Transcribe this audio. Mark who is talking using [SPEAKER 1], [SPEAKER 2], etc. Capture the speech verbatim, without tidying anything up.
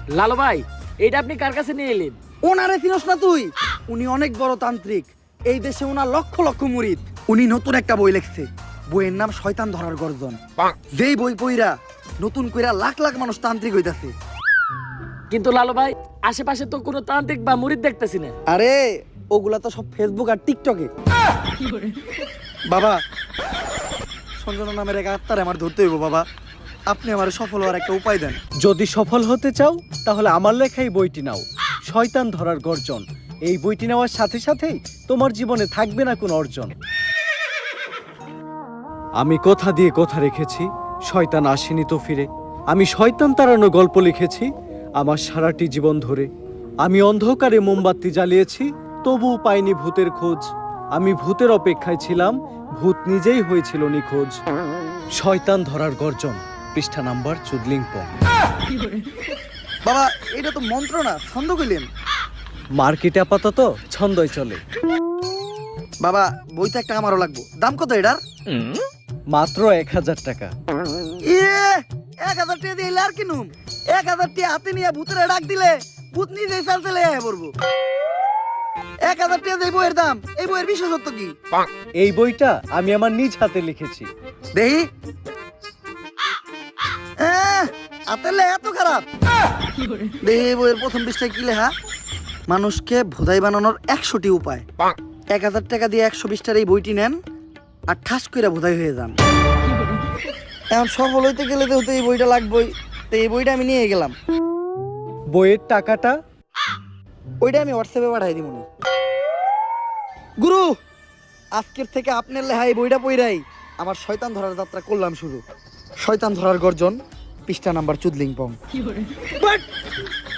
[SPEAKER 1] লালু ভাই, এটা আপনি কার কাছে নিয়ে এলেন?
[SPEAKER 2] ওনারে চিনস না তুই? উনি অনেক বড় তান্ত্রিক, এই দেশে ওনার লক্ষ লক্ষ মুরিদ। উনি নতুন একটা বই লিখছে, বইয়ের নাম শয়তান ধরার গর্জন। যেই বই পইরা নতুন কইরা লাখ লাখ মানুষ তান্ত্রিক হইতাছে।
[SPEAKER 1] কিন্তু লালু ভাই, আশেপাশে তো কোনো তান্ত্রিক বা মুরিদ দেখতেছি না।
[SPEAKER 2] আরে ওগুলা তো সব ফেসবুক আর টিকটকে। বাবা, সঞ্জনা নামের এক আত্মারে আমার ধরতে হইব বাবা, আপনি আমার সফল হওয়ার একটা উপায় দেন।
[SPEAKER 3] যদি সফল হতে চাও তাহলে আমার লেখা এই বইটি নাও, শয়তান ধরার গর্জন। এই বইটি নেওয়ার সাথে সাথেই তোমার জীবনে থাকবে না কোনো অর্জন। আমি কথা দিয়ে কথা রেখেছি, শয়তান আসেনি তো ফিরে। আমি শয়তান তাড়ানো গল্প লিখেছি আমার সারাটি জীবন ধরে। আমি অন্ধকারে মোমবাতি জ্বালিয়েছি, তবুও পাইনি ভূতের খোঁজ। আমি ভূতের অপেক্ষায় ছিলাম, ভূত নিজেই হয়েছিল নিখোঁজ। শয়তান ধরার গর্জন, পৃষ্ঠা নাম্বার চুদলিংপং।
[SPEAKER 2] বাবা, এটা তো মন্ত্র না, ছন্দ কইলেন।
[SPEAKER 3] মার্কেটে আপাতত ছন্দই চলে।
[SPEAKER 2] বাবা, বইটা একটা আমারও লাগবো, দাম কত এটার?
[SPEAKER 3] মাত্র এক হাজার টাকা।
[SPEAKER 2] ইয়ে, এক হাজার টাকা দিয়ে আর কিনুম? এক হাজার টাকা হাতে নিয়ে ভূতের ডাক দিলে ভূত নিজেই চাল চলে আয় পড়বো। এক হাজার টাকা দিয়ে বইয়ের দাম, এই বইয়ের বিশেষত্ব কি?
[SPEAKER 3] এই বইটা আমি আমার নিজ হাতে লিখেছি।
[SPEAKER 2] দেহি হাতের লেখা এত খারাপ? দেহি বইয়ের প্রথম পৃষ্ঠায় কি লেখা? মানুষকে ভোদাই বানানোর একশোটি উপায়। এক হাজার টাকা দিয়ে একশো বিশটার এই বইটি নেন আর ঠাস করে ভোদাই হয়ে যান। এখন সফল হইতে গেলে তো এই বইটা লাগবেই, তো এই বইটা আমি নিয়ে গেলাম।
[SPEAKER 3] বইয়ের টাকাটা?
[SPEAKER 2] ওইটা আমি হোয়াটসঅ্যাপে পাঠাই দিব। গুরু, আজকের থেকে আপনার লেহাই বইটা পইরাই আমার শয়তান ধরার যাত্রা করলাম শুরু। শয়তান ধরার গর্জন, পৃষ্ঠা নাম্বার চুদলিংপং।